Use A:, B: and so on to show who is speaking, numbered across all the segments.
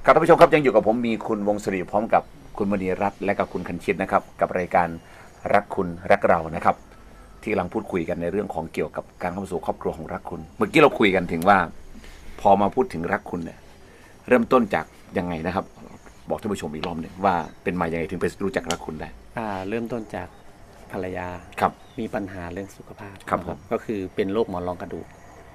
A: ครับท่านผู้ชมครับยังอยู่กับผมมีคุณวงศรีพร้อมกับคุณมณีรัตน์และกับคุณคันชิตนะครับกับรายการรักคุณรักเรานะครับที่กำลังพูดคุยกันในเรื่องของเกี่ยวกับการเข้าสู่ครอบครัวของรักคุณเมื่อกี้เราคุยกันถึงว่าพอมาพูดถึงรักคุณเนี่ยเริ่มต้นจากยังไงนะครับบอกท่านผู้ชมอีกรอบหนึ่งว่าเป็นมายังไงถึงไปรู้จักรักคุณได้
B: เริ่มต้นจากภรรยา
A: ครับ
B: มีปัญหาเรื่องสุขภาพ
A: ครับ
B: ก็คือเป็นโรคหมอนรองกระดูก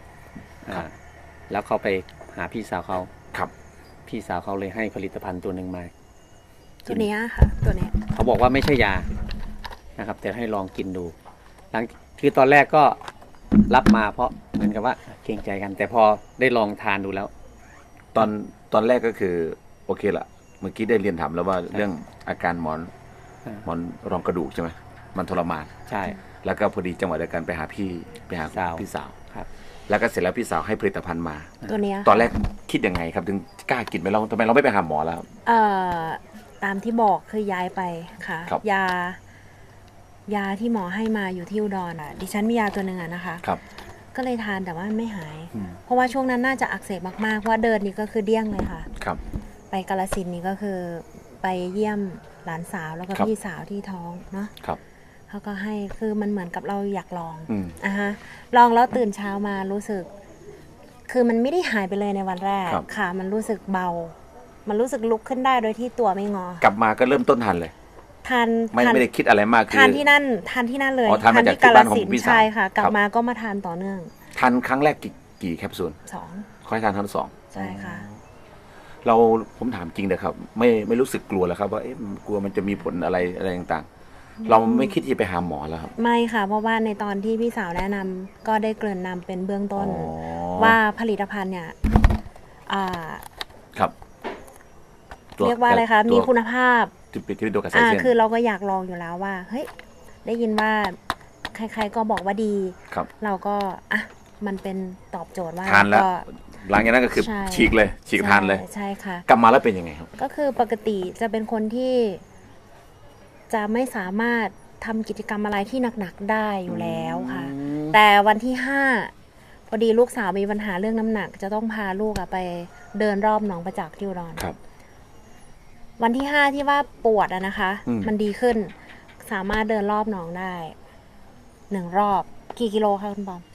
B: แล้วเขาไปหาพี่สาวเขา
A: ครับ
B: พี่สาวเขาเลยให้ผลิตภัณฑ์ตัวหนึ่งมา
C: ตัวนี้ค่ะตัวนี้
B: เขาบอกว่าไม่ใช่ยานะครับแต่ให้ลองกินดูคือตอนแรกก็รับมาเพราะเหมือนกับว่าเกรงใจกัน แต่พอได้ลองทานดูแล้ว
A: ตอนแรกก็คือโอเคละเมื่อกี้ได้เรียนถามแล้วว่าเรื่องอาการหมอนรองกระดูกใช่ไหมมันทรมาน
B: ใช่
A: แล้วก็พอดีจังหวะเดียวกันไปหาพี่สาว
B: ครับ
A: แล้วก็เสร็จแล้วพี่สาวให้ผลิตภัณฑ์มา
C: ตัวนี้
A: ตอนแรกคิดยังไงครับถึงกล้ากินไหมเราทำไมเราไม่ไปหาหมอแล้ว
C: ตามที่บอกคือย้ายไปค่ะยาที่หมอให้มาอยู่ที่อุดรดิฉันมียาตัวหนึ่งนะคะ
A: ครับ
C: ก็เลยทานแต่ว่าไม่หายเพราะว่าช่วงนั้นน่าจะอักเสบมากๆเพราะว่าเดินนี่ก็คือเดี้ยงเลยค่ะ
A: ครับ
C: ไปกาฬสินธุ์นี่ก็คือไปเยี่ยมหลานสาวแล้วก็พี่สาวที่ท้องเนาะเขาก็ให้คือมันเหมือนกับเราอยากลองฮะลองแล้วตื่นเช้ามารู้สึกคือมันไม่ได้หายไปเลยในวันแรกค่ะมันรู้สึกเบามันรู้สึกลุกขึ้นได้โดยที่ตัวไม่งอก
A: ลับมาก็เริ่มต้นทานเลย
C: ทาน
A: ไม่ได้คิดอะไรมาก
C: ทานที่นั่นเลย
A: ทานที่กาฬสินธุ์
C: ใช่ค่ะกลับมาก็มาทานต่อเนื่อง
A: ทานครั้งแรกกี่แคปซูล
C: 2
A: ค่อยทานทั้ง2
C: ใช่ค่ะ
A: ผมถามจริงเลยครับไม่รู้สึกกลัวแล้วครับว่ากลัวมันจะมีผลอะไรต่างๆเราไม่คิดที่ไปหาหมอแล้วครับ
C: ไม่ค่ะเพราะว่าในตอนที่พี่สาวแนะนำก็ได้เกริ่นนำเป็นเบื้องต้นว่าผลิตภัณฑ์เนี่ย
A: ครับ
C: เรียกว่าอะไรคะมีคุณภาพ
A: ที่เป็นตัวกระแสเส้น
C: คือเราก็อยากลองอยู่แล้วว่าเฮ้ยได้ยินว่าใครๆก็บอกว่าดีเราก็มันเป็นตอบโจทย์ว่า
A: ทานแล้วหลังจากนั้นก็คือฉีกทานเลย
C: ใช่ค่ะ
A: กลับมาแล้วเป็นยังไงครับ
C: ก็คือปกติจะเป็นคนที่จะไม่สามารถทำกิจกรรมอะไรที่หนักๆได้อยู่แล้วค่ะแต่วันที่5พอดีลูกสาวมีปัญหาเรื่องน้ำหนักจะต้องพาลูกไปเดินรอบหนองประจักษ์ที่อุดรวันที่5ที่ว่าปวดนะคะมันดีขึ้นสามารถเดินรอบหนองได้1รอบกี่กิโลคะคุณบอม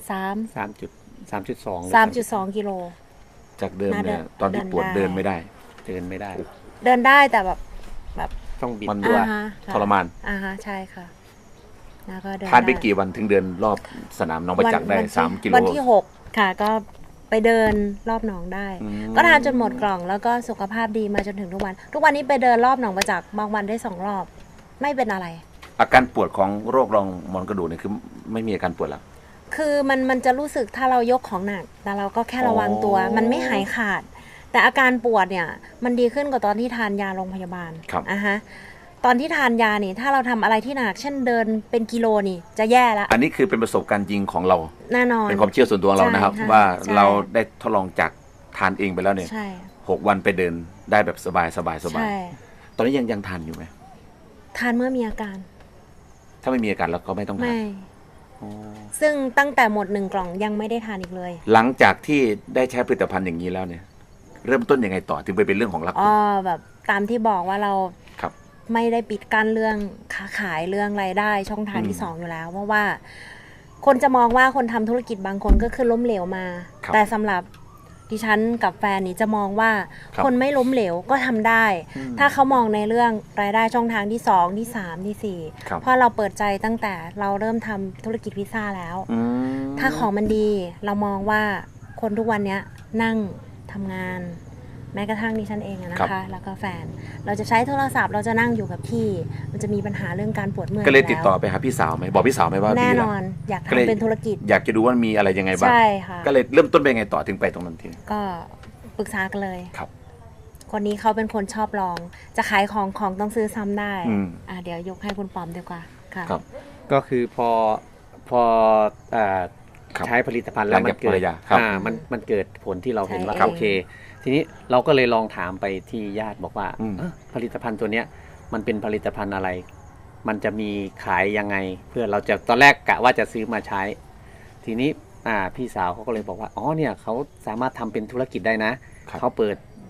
C: 3.2 กิโล
A: จากเดิมเนี่ยตอนที่ปวดเดินไม่ได้
C: เดินได้แต่แบบ
B: ต้องบิด
A: มันตัวทรมาน
C: ใช่ค่ะแล้วก็
A: ทานไปกี่วันถึงเดินรอบสนามหนองประจักษ์ได้3 กิโล
C: วันที่6ค่ะก็ไปเดินรอบหนองได้ก็ทานจนหมดกล่องแล้วก็สุขภาพดีมาจนถึงทุกวันนี้ไปเดินรอบหนองประจักษ์บางวันได้2 รอบไม่เป็นอะไร
A: อาการปวดของโรครองมอนกระดูกเนี่ยคือไม่มีอาการปวดแล้ว
C: คือมันจะรู้สึกถ้าเรายกของหนักแต่เราก็แค่ระวังตัวมันไม่หายขาดแต่อาการปวดเนี่ยมันดีขึ้นกว่าตอนที่ทานยาโรงพยาบาลตอนที่ทานยานี่ถ้าเราทำอะไรที่หนักเช่นเดินเป็นกิโลนี่จะแย่แล้ว
A: อันนี้คือเป็นประสบการณ์จริงของเรา
C: แน่นอน
A: เป็นความเชื่อส่วนตัวเรานะครับว่าเราได้ทดลองจากทานเองไปแล้วเนี่ย6 วันไปเดินได้แบบสบายตอนนี้ยังทานอยู่ไหม
C: ทานเมื่อมีอาการ
A: ถ้าไม่มีอาการเราก็ไม่ต้องทาน
C: ซึ่งตั้งแต่หมด1 กล่องยังไม่ได้ทานอีกเลย
A: หลังจากที่ได้ใช้ผลิตภัณฑ์อย่างนี้แล้วเนี่ยเริ่มต้นยังไงต่อถึงไปเป็นเรื่องของรัก
C: แบบตามที่บอกว่าเราไม่ได้ปิดกั้นเรื่องค้าขายเรื่องรายได้ช่องทางที่2อยู่แล้วเพราะว่าคนจะมองว่าคนทำธุรกิจบางคนก็คือล้มเหลวมาแต่สำหรับดิฉันกับแฟนนี่จะมองว่าคนไม่ล้มเหลวก็ทำได้ถ้าเขามองในเรื่องรายได้ช่องทางที่2ที่3ที่4เพราะเราเปิดใจตั้งแต่เราเริ่มทำธุรกิจพิซซ่าแล้วถ้าของมันดีเรามองว่าคนทุกวันนี้นั่งทำงานแม้กระทั่งดิฉันเองนะคะแล้วก็แฟนเราจะใช้โทรศัพท์เราจะนั่งอยู่กับที่มันจะมีปัญหาเรื่องการปวดเมื่อย
A: ก็เลยติดต่อไปหาพี่สาวไหมบอกพี่สาวไหมว่า
C: แน่นอนอยากทำเป็นธุรกิจ
A: อยากจะดูว่ามีอะไรยังไงบ้าง
C: ใช่ค่ะ
A: ก็เลยเริ่มต้นไปไงต่อถึงไปตรงนั้นที
C: ก็ปรึกษากันเลย
A: ครับ
C: คนนี้เขาเป็นคนชอบลองจะขายของต้องซื้อซ้ำได้เดี๋ยวยกให้คุณปอมดีกว่าค่ะ
B: ก็คือพอใช้ผลิตภัณฑ์แล้วมันเกิดมันเกิดผลที่เราเห็นว่าโอเคทีนี้เราก็เลยลองถามไปที่ญาติบอกว่าผลิตภัณฑ์ตัวเนี้ยมันเป็นผลิตภัณฑ์อะไรมันจะมีขายยังไงเพื่อเราจะตอนแรกกะว่าจะซื้อมาใช้ทีนี้พี่สาวเขาก็เลยบอกว่าอ๋อเนี่ยเขาสามารถทำเป็นธุรกิจได้นะเขาเปิด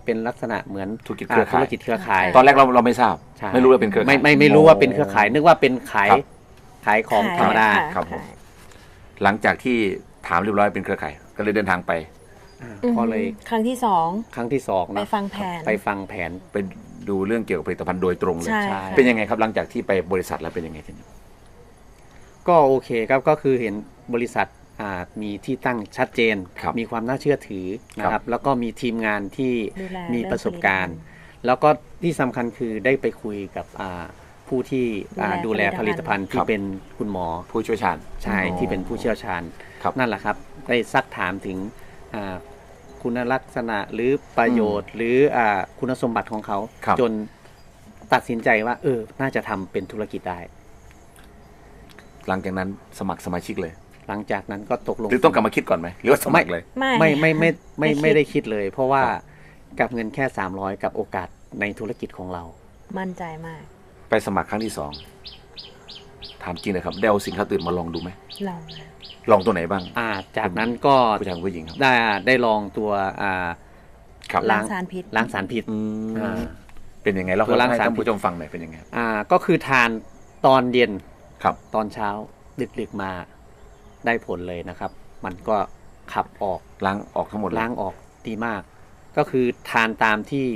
B: เป็นลักษณะเหมือน
A: ธุรกิจเครือข่าย
B: ธุรกิจเครือข่าย
A: ตอนแรกเราไม่ทราบ
B: ใช่
A: ไม่รู้ว่าเป็นเครือข่าย
B: ไม่รู้ว่าเป็นเครือข่ายนึกว่าเป็นขาย
A: ครับ
B: ขายของธรรมดา
C: ขาย
A: ครับผม หลังจากที่ถามเรียบร้อยเป็นเครือข่ายก็เลยเดินทางไป
B: ก็เลย
C: ครั้งที่สอง
B: ครั้งที่สอง
C: ไป
B: นะ
C: ฟังแผน
B: ไปฟังแผน
A: ไปดูเรื่องเกี่ยวกับผลิตภัณฑ์โดยตรงเลย
C: ใช่
B: ใช่
C: ค่ะ
A: เป็นยังไงครับหลังจากที่ไปบริษัทแล้วเป็นยังไงทีนี้
B: ก็โอเคครับก็คือเห็นบริษัทมีที่ตั้งชัดเจน
A: ครับ
B: มีความน่าเชื่อถือนะค
A: ครั
B: รับ บแล้วก็มีทีมงานที่
C: ดูแล
B: มีประสบการณ์
C: เรื่อง
B: แล้วก็ที่สำคัญคือได้ไปคุยกับผู้ที่ดูแลผลิตภัณฑ์ที่เป็นคุณหมอ
A: ผู้เชี่ยวชาญ
B: ใช่ที่เป็นผู้เชี่ยวชาญ
A: ครับ
B: นั่นแหละครับได้ซักถามถึงคุณลักษณะหรือประโยชน์ หรือคุณสมบัติของเขา
A: ครับ
B: จนตัดสินใจว่าน่าจะทำเป็นธุรกิจได้
A: หลังจากนั้นสมัครสมาชิกเลย
B: หลังจากนั้นก็ตกลง
A: หรือต้องกลับมาคิดก่อนไหมหรือว่าสมัครเลย
B: ไม่ได้คิดเลย เพราะว่า
A: ครับ
B: กับเงินแค่300กับโอกาสในธุรกิจของเรา
C: มั่นใจมาก
A: ไปสมัครครั้งที่สองถามจริงเลยครับได้เอาสินค้าตื่นมาลองดูไหม
C: ลองนะ
A: ลองตัวไหนบ้าง
B: จากนั้นก็
A: ผู้ชายกับผู้หญิงครับ
B: ได้ลองตัว
A: ครับ
C: ล้างสารพิษ
B: ล้างสารพิษ
A: อ่าเป็นยังไงเรา
B: ตัวล้าง
A: ให้
B: สาร
A: ท่านผู้ชมฟังหน่อยเป็นยังไง
B: ก็คือทานตอนเย็น
A: ครับ
B: ตอนเช้าดึกๆมาได้ผลเลยนะครับ มันก็ขับออก
A: ล้างออกทั้งหมดเลย
B: ล้างออกดีมาก ก็คือทานตามที่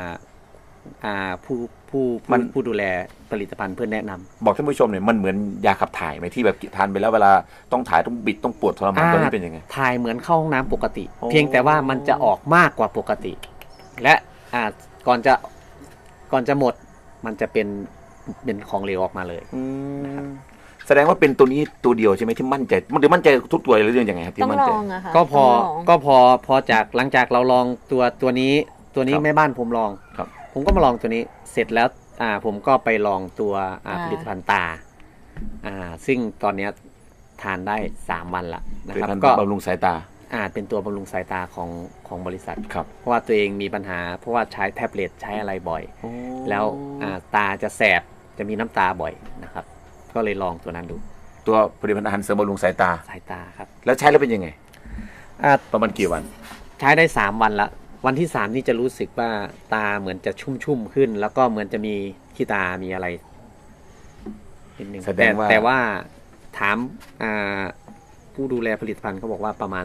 B: ผู้ดูแลผลิตภัณฑ์เพื่อนแนะนำ
A: บอกท่านผู้ชมเนี่ยมันเหมือนยาขับถ่ายไหมที่แบบทานไปแล้วเวลาต้องถ่ายต้องบิดต้องปวดทรมานตัวนี้เป็นยังไง
B: ถ่ายเหมือนเข้าห้องน้ำปกติ
A: โอ้
B: เพียงแต่ว่ามันจะออกมากกว่าปกติ และก่อนจะหมดมันจะเป็นของเหลวออกมาเลย
A: แสดงว่าเป็นตัวนี้ตัวเดียวใช่ไหมที่มั่นใจมันหรือมั่นใจทุกตัวหรือเรื่องยังไงครับ
C: ต้
A: ที่
C: อง
A: มั่น
C: ล
A: ใจ
C: องอะค่ะ
B: ก็พอ
C: ต้องลอง
B: ก็พอจากหลังจากเราลองตัวนี้
A: ครับ
B: แม่บ้านผมลอง
A: ครับ
B: ผมก็มาลองตัวนี้เสร็จแล้วผมก็ไปลองตัวผลิตภัณฑ์ตาซึ่งตอนเนี้ยทานได้3 วันละนะ
A: เป็น
B: ครับ
A: การ
B: ก็
A: บำรุงสายตา
B: เป็นตัวบำรุงสายตาของบริษัท
A: ครับ
B: เพราะว่าตัวเองมีปัญหาเพราะว่าใช้แท็บเล็ตใช้อะไรบ่อย แล้วตาจะแสบจะมีน้ำตาบ่อยนะครับ ก็เลยลองตัวนั้นดู
A: ตัวผลิตภัณฑ์อาหารเสริมบำรุงสายตา
B: สายตาครับ
A: แล้วใช้แล้วเป็นยังไง
B: อ่า
A: ประมาณกี่วัน
B: ใช้ได้3 วันละวันที่3นี่จะรู้สึกว่าตาเหมือนจะชุ่มขึ้น แล้วก็เหมือนจะมีขี้ตามีอะไรนิดนึง
A: แสดงว่า
B: แต่ว่าถามผู้ดูแลผลิตภัณฑ์เขาบอกว่าประมาณ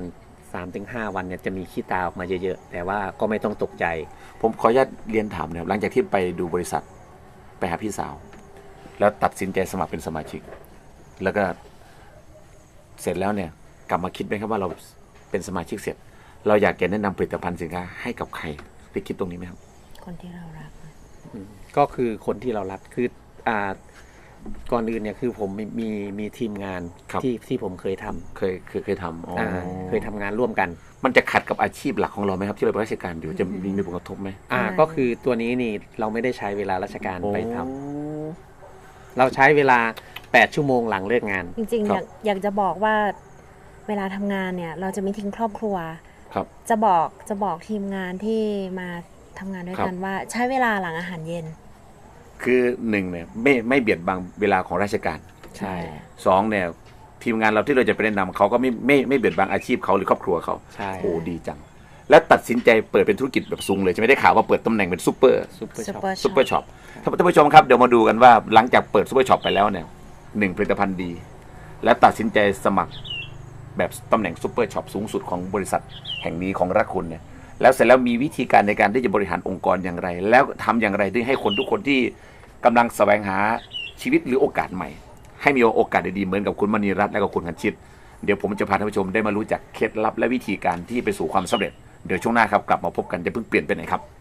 B: 3-5 วันเนี่ยจะมีขี้ตาออกมาเยอะๆแต่ว่าก็ไม่ต้องตกใจ
A: ผมขออนุญาตเรียนถามนะครับหลังจากที่ไปดูบริษัทไปหาพี่สาว แล้วตัดสินใจสมัครเป็นสมาชิก แล้วก็เสร็จแล้วเนี่ย กลับมาคิดไหมครับว่าเราเป็นสมาชิกเสร็จ เราอยากจะแนะนำผลิตภัณฑ์สินค้าให้กับใครได้คิดตรงนี้ไหมครับ
C: คนที่เรารัก
B: ก็คือคนที่เรารักคือก่อนอื่นเนี่ยคือผมมีทีมงาน
A: ครับ
B: ที่ผมเคยทำ
A: เคยทำอ๋อ
B: เคยทำงานร่วมกัน
A: มันจะขัดกับอาชีพหลักของเราไหมครับที่เราเป็นราชการอยู่จะมีผลกระทบไหม
B: ก็คือตัวนี้นี่เราไม่ได้ใช้เวลาราชการไปทำเราใช้เวลา8 ชั่วโมงหลังเลิกงาน
C: จริงๆอยากจะบอกว่าเวลาทำงานเนี่ย เราจะไม่ทิ้งครอบครัว
A: ครับ
C: จะบอกทีมงานที่มาทำงานด้วยกันว่าใช้เวลาหลังอาหารเย็น
A: คือหนึ่งเนี่ยไม่เบียดบังเวลาของราชการ
B: ใช่
A: สองเนี่ยทีมงานเราที่เราจะไปแนะนำเขาก็ไม่เบียดบังอาชีพเขาหรือครอบครัวเขา
B: ใช่
A: โอ้ดีจัง แล้วตัดสินใจเปิดเป็นธุรกิจแบบซุงเลยจะไม่ได้ข่าวว่าเปิดตำแหน่งเป็นซูเปอร์
B: ซุปเปอร์ช็อป
C: Super
A: ซูเปอร์ช็อปท่านผู้ชมครับเดี๋ยวมาดูกันว่าหลังจากเปิดซูเปอร์ช็อปไปแล้วเนี่ย1ผลิตภัณฑ์ดี และตัดสินใจสมัครแบบตำแหน่งซูเปอร์ช็อปสูงสุดของบริษัทแห่งนี้ของรักคุณเนี่ยแล้วเสร็จแล้วมีวิธีการในการที่จะบริหารองค์กรอย่างไร แล้วทำอย่างไรที่ให้คนทุกคนที่กำลังแสวงหาชีวิตหรือโอกาสใหม่ ให้มีโอกาสดีๆเหมือนกับคุณมณีรัตน์และก็คุณคันชิตเดี๋ยวผมจะพาท่านผู้ชมได้มารู้จักเคล็ดลับและวิธีการที่ไปสู่ความสำเร็จเดี๋ยวช่วงหน้าครับกลับมาพบกันจะเพิ่งเปลี่ยนไปไหนครับ